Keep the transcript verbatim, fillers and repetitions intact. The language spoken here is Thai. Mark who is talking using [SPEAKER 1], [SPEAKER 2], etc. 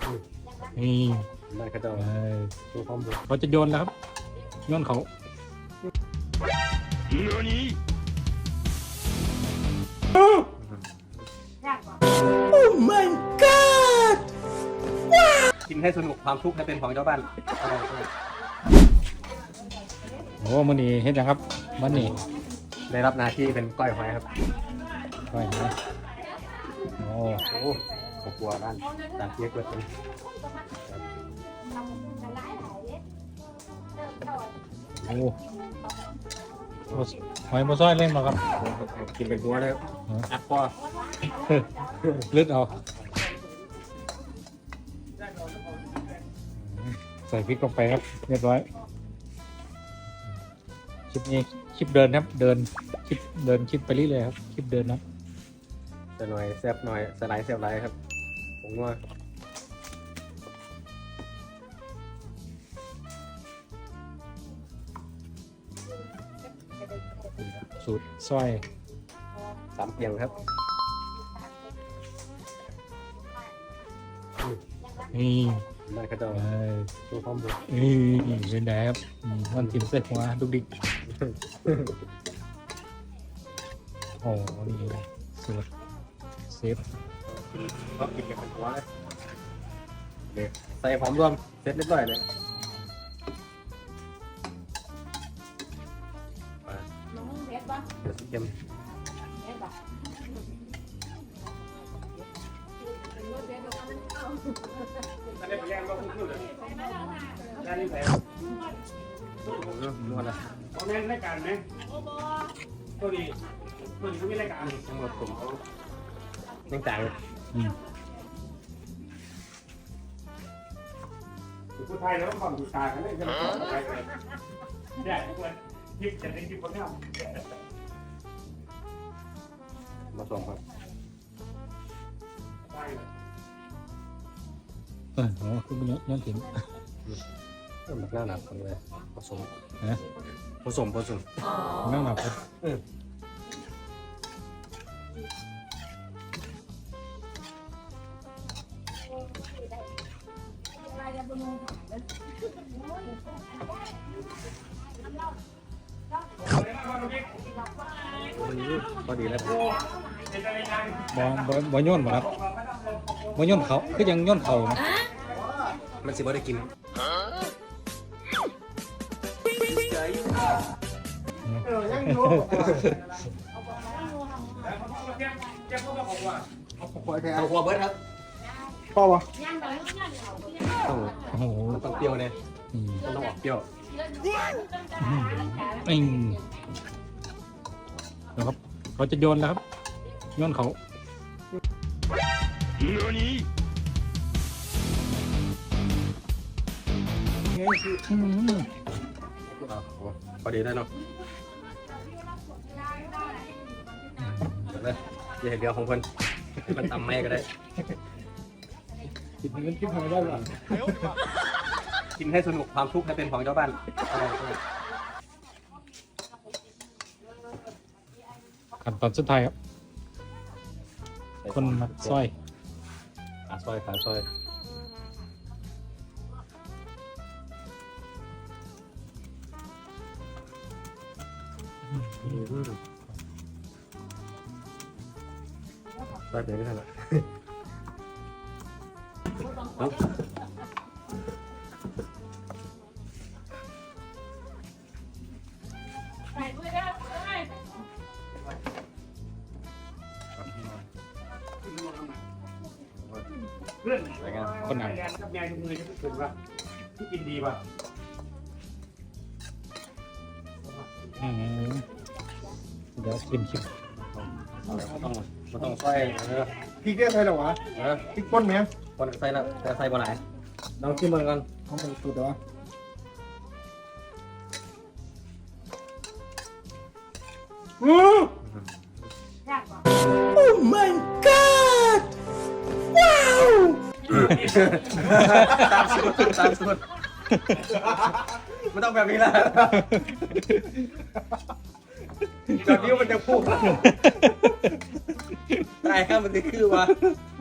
[SPEAKER 1] นี่
[SPEAKER 2] ได้กระโดดดูความบุก
[SPEAKER 1] เขาจะโยนแล้วครับโยนเขาโอ้ my god
[SPEAKER 2] กินให้สนุกความทุกข์ให้เป็นของเจ้าบ้าน
[SPEAKER 1] โอ้มันนี่เห็นยังครับมันนี่
[SPEAKER 2] ได้รับหน้าที่เป็นก้อยหอยครับ
[SPEAKER 1] ก้อยนะโอ้
[SPEAKER 2] โหกลัวบ้านจากเยอะเกิน
[SPEAKER 1] โอ้หอยมาซ้อยเล่นมาครับ
[SPEAKER 2] กินเป็นหัวเลยอัดปอ
[SPEAKER 1] เลือดเอาใส่พริกลงไปครับเรียบร้อยคลิปนี้คลิปเดินครับเดินคลิปเดินคลิปไปเรื่อยๆครับคลิปเดินนะ
[SPEAKER 2] จะหน่อยแซ่บหน่อยสไลด์แซ่บไรครับผมว่า
[SPEAKER 1] สูตรซอย
[SPEAKER 2] สามเพียงครับ
[SPEAKER 1] นี่
[SPEAKER 2] ได้กระโดดดูความบุก
[SPEAKER 1] นี่เป็นไงครับมันทิมเส้นหัวดุกดิกโอ้นี่สูตรเซฟ
[SPEAKER 2] ก็กินกันเป็นหัวเลยเด็กใส่หอมรวมเสร็จเรียบร้อยเลยเดี๋ยวสิเค็มนวดละ
[SPEAKER 3] เขาเล่นรายการไหมตัวนี้ตัวนี้เขามีรายการ
[SPEAKER 2] ทั้งหมดผมเขายังจ่าย
[SPEAKER 3] ผู้ไทยแล้วความดูตากันเลยจะมาต่อไปเลยเนี่ยควรยิบจะได้ยิบคนเนี้ย
[SPEAKER 2] มาส่งครับ
[SPEAKER 1] เออโอ้คือมันย้อนถิ่น
[SPEAKER 2] เออมันน่าหนักคนเลยผสม
[SPEAKER 1] นะ
[SPEAKER 2] ผสมผสม
[SPEAKER 1] น่าหนักครับ
[SPEAKER 2] วันนี้ก็ดีแล้ว
[SPEAKER 1] บอบอบอย่นหมดครับบอย่นเขาคือยังย่นเขานะ
[SPEAKER 2] มันสิบ่ได้กิน
[SPEAKER 3] เออยังอยู่
[SPEAKER 2] เอาหัวเบิร์ดครับ
[SPEAKER 3] พ่อวะ
[SPEAKER 2] ต้อง
[SPEAKER 1] โอ้โห
[SPEAKER 2] ต้องเปรี้ยวเลยมันต้องออกเปรี้ยว
[SPEAKER 1] อิงนะครับเขาจะโยนแล้วครับโยนเขา
[SPEAKER 2] พอดีได้เนาะเลยจะเห็นเดียวของคนมันตำไม่ก็ได้
[SPEAKER 1] กินเงินกินหอยได้หรอ
[SPEAKER 2] กินให้สนุกความทุกข์ให้เป็นของเจ้าบ้าน
[SPEAKER 1] ขั้นตอนสุดท้ายครับคนมัดซอย
[SPEAKER 2] ขาซอยขาซอยซอยเดี๋ยวไม่ทันละ
[SPEAKER 3] เพื่อน
[SPEAKER 1] คนไหน
[SPEAKER 3] กับยายทุกมือจะพูดถึงว่าที่กินดีป่ะ
[SPEAKER 1] เดี๋ยวชิมชิม
[SPEAKER 2] ต้องมันต้องใส่เออ
[SPEAKER 3] พริกได้ใส่หรอวะ
[SPEAKER 2] เออ
[SPEAKER 3] พริกป่นไหม
[SPEAKER 2] คนใส่แล้วแต่ใส่บ่หลายลองชิมมันกัน
[SPEAKER 3] เขาเป็นสูตรเหรออือ
[SPEAKER 1] Oh my god ว้าว
[SPEAKER 2] ตามสูตรตามสูตรไม่ต้องแบบนี้ละแบบนี้มันจะพูดได้ครับมันจะคือวะ